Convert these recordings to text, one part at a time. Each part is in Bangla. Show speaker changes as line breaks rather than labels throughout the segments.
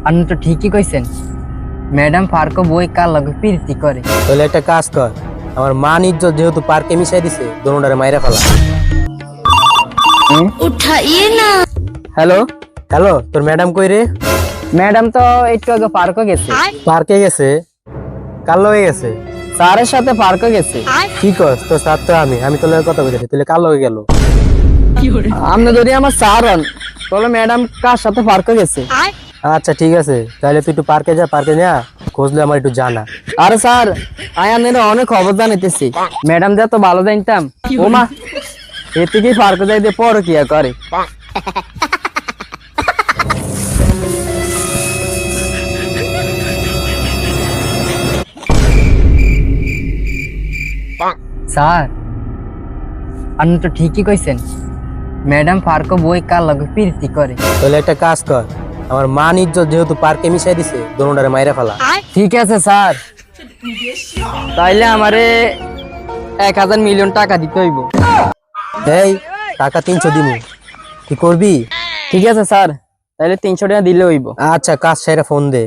আপনি তো ঠিকই কইছেন। ম্যাডাম পার্ক বই কার লগে প্রীতি করে।
তাহলে একটা কাজ কর, আমার মান ইজ্জত যেহেতু পার্কে মিশাই দিছে, দোনোটারে মাইরা ফেলা।
উঠাইয়ে না।
হ্যালো হ্যালো, তোর ম্যাডাম কই রে?
ম্যাডাম তো একটু আগে পার্কে গেছে।
পার্কে গেছে? কার লগে গেছে?
স্যারের সাথে পার্কে গেছে।
কি কস? তোর স্যার তো আমি তোর লগে কথা বলতেছি, তুই কার লগে গেল?
আপনি যদি আমার স্যার হন তাহলে ম্যাডাম কার সাথে পার্কে গেছে?
আচ্ছা ঠিক আছে, তাহলে তুই একটু পার্কে যা, পার্কে যা খোঁজলে আমার একটু জানা।
আরে স্যার, আয়ানের অনেক খবর জানিতেছি। ম্যাডাম যা তো ভালো জানতাম। ও মা, এর থেকেই পার্কে যাইতে পরে কি করে। স্যার, আপনি তো ঠিকই কইছেন। ম্যাডাম পার্ক বই কার লগে প্রীতি করে।
তাহলে একটা কাজ কর, আমার মান ইজ্জত যেহেতু পার্কে মিশাই দিছে, দোনোটারে মাইরা ফেলা।
ঠিক আছে স্যার, তাইলে আমারে 1000 মিলিয়ন টাকা দিতে হইব।
এই টাকা 300 দিমু, কি করবি?
ঠিক আছে স্যার, তাইলে 300 টাকা দিলে হইব।
আচ্ছা, কাজ সেরে ফোন দে।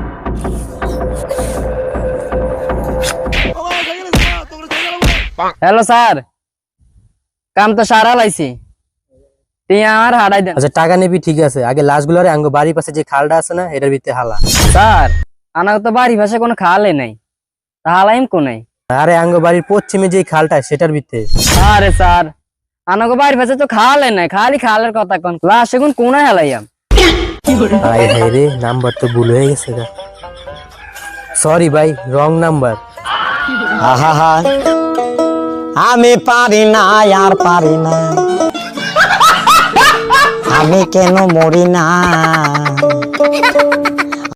হ্যালো স্যার, কাম তো সারা লাইছি, তুই আর হারাই দেন।
আচ্ছা টাকা নিবি ঠিক আছে, আগে লাশগুলোরে আঙ্গ বাড়ির পাশে যে খালটা আছে না, এটার ভিতরে হালা।
স্যার, আমার তো বাড়ি ভাষা কোনো খালে নাই, তা হালাইম কোনাই?
আরে আঙ্গ বাড়ির পশ্চিমে যে খালটা সেটার ভিতরে।
আরে স্যার, আমার বাড়ি ভাষা তো খালে নাই, খালি খালের কথা কোন। লাশ এখন কোনায় হালাইয়াম?
হাই হাই রে, নাম্বার তো ভুল হয়ে গেছে গা। সরি ভাই, রং নাম্বার।
আহা, আমি পারি না আর পারি না, আমি কেন মরি না।